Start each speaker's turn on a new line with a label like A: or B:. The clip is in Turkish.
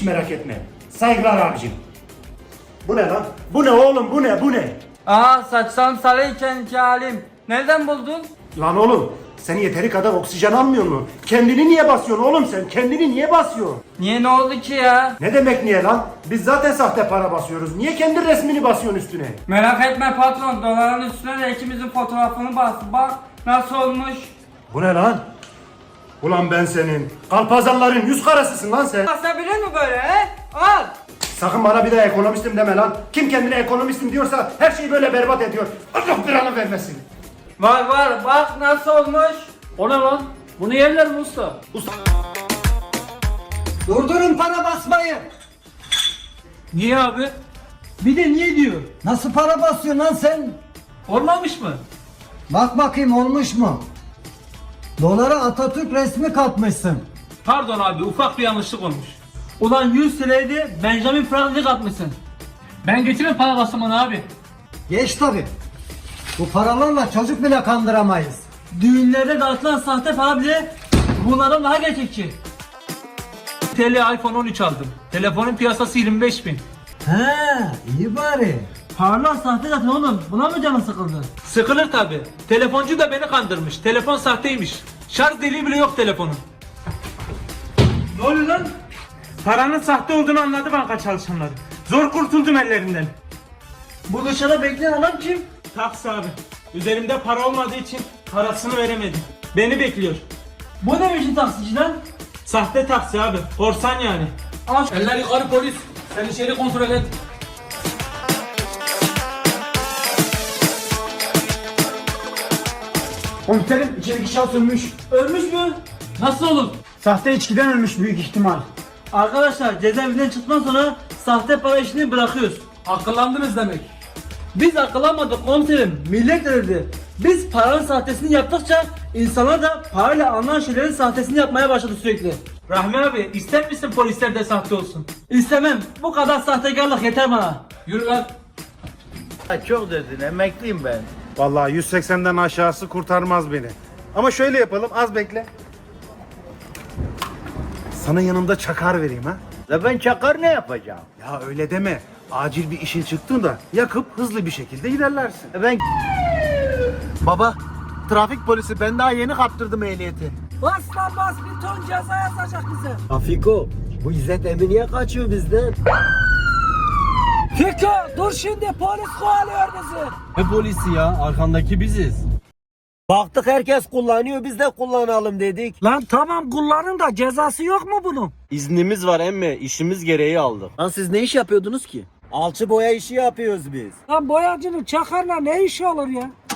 A: merak etme. Saygılar abicim. Bu ne lan? Bu ne oğlum, bu ne, bu ne?
B: Aa, saçtan sarıyken ki halim. Nereden buldun?
A: Lan oğlum, sen yeteri kadar oksijen almıyor mu? Kendini niye basıyorsun oğlum sen? Kendini niye basıyorsun?
B: Niye, ne oldu ki ya?
A: Ne demek niye lan? Biz zaten sahte para basıyoruz. Niye kendi resmini basıyorsun üstüne?
B: Merak etme patron, doların üstüne de ikimizin fotoğrafını bas. Bak nasıl olmuş.
A: Bu ne lan? Ulan ben senin kalpazanların yüz karasısın lan sen.
B: Basabilir mi böyle he? Al.
A: Sakın bana bir daha ekonomistim deme lan. Kim kendine ekonomistim diyorsa her şeyi böyle berbat ediyor. Allah belanı vermesin.
B: Var var, bak nasıl olmuş.
C: O ne lan? Bunu yerler mi usta?
D: Durdurun para basmayı.
C: Niye abi?
D: Bir de niye diyor? Nasıl para basıyorsun lan sen?
C: Olmamış mı?
D: Bak bakayım olmuş mu? Dolara Atatürk resmi katmışsın.
C: Pardon abi, ufak bir yanlışlık olmuş. Ulan 100 TL'de Benjamin Franklin atmışsın. Ben getirmem para basımını abi.
D: Geç tabi. Bu paralarla çocuk bile kandıramayız.
C: Düğünlerde dağıtılan sahte para bile bunlardan daha gerçekçi. TL iPhone 13 aldım. Telefonun piyasası 25.000.
D: He, iyi bari.
C: Paralar sahte zaten oğlum. Buna mı canın sıkıldı? Sıkılır tabi. Telefoncu da beni kandırmış. Telefon sahteymiş. Şarj deliği bile yok telefonun. Ne oluyor lan? Paranın sahte olduğunu anladı banka çalışanları. Zor kurtuldum ellerinden. Bu dışarıda bekleyen adam kim? Taksi abi. Üzerimde para olmadığı için parasını veremedim. Beni bekliyor. Bu ne biçim taksici lan? Sahte taksi abi. Korsan yani. Eller yukarı polis. Sen içeri kontrol et.
D: Komiserim içerideki şahıs ölmüş.
C: Ölmüş mü? Nasıl olur?
D: Sahte içkiden ölmüş büyük ihtimal.
C: Arkadaşlar cezaevinden çıktıktan sonra sahte para işini bırakıyoruz. Akıllandınız demek. Biz akıllanmadık komiserim. Millet dedi. Biz paranın sahtesini yaptıkça insanlar da parayla alınan şeylerin sahtesini yapmaya başladı sürekli. Rahmi abi ister misin polisler de sahte olsun? İstemem. Bu kadar sahtekarlık yeter bana. Yürü lan.
E: Çok dedin, emekliyim ben.
A: Vallahi 180'den aşağısı kurtarmaz beni. Ama şöyle yapalım, az bekle. Sana yanımda çakar vereyim ha.
E: La ben çakar ne yapacağım?
A: Ya öyle deme. Acil bir işin çıktığında yakıp hızlı bir şekilde ilerlersin.
E: Ben... Baba, trafik polisi, ben daha yeni kaptırdım ehliyeti.
F: Bas lan bas, bir ton ceza yazacak bize.
D: Afiko, bu İzzet Emre niye kaçıyor bizden?
F: Fiko dur, şimdi polis kovalıyor bizi.
E: Ne polisi ya? Arkandaki biziz.
D: Baktık herkes kullanıyor, biz de kullanalım dedik.
F: Lan tamam kullanın da cezası yok mu bunun?
E: İznimiz var emme, işimiz gereği aldık. Lan siz ne iş yapıyordunuz ki?
D: Alçı boya işi yapıyoruz biz.
F: Lan boyacının çakarla ne işi olur ya?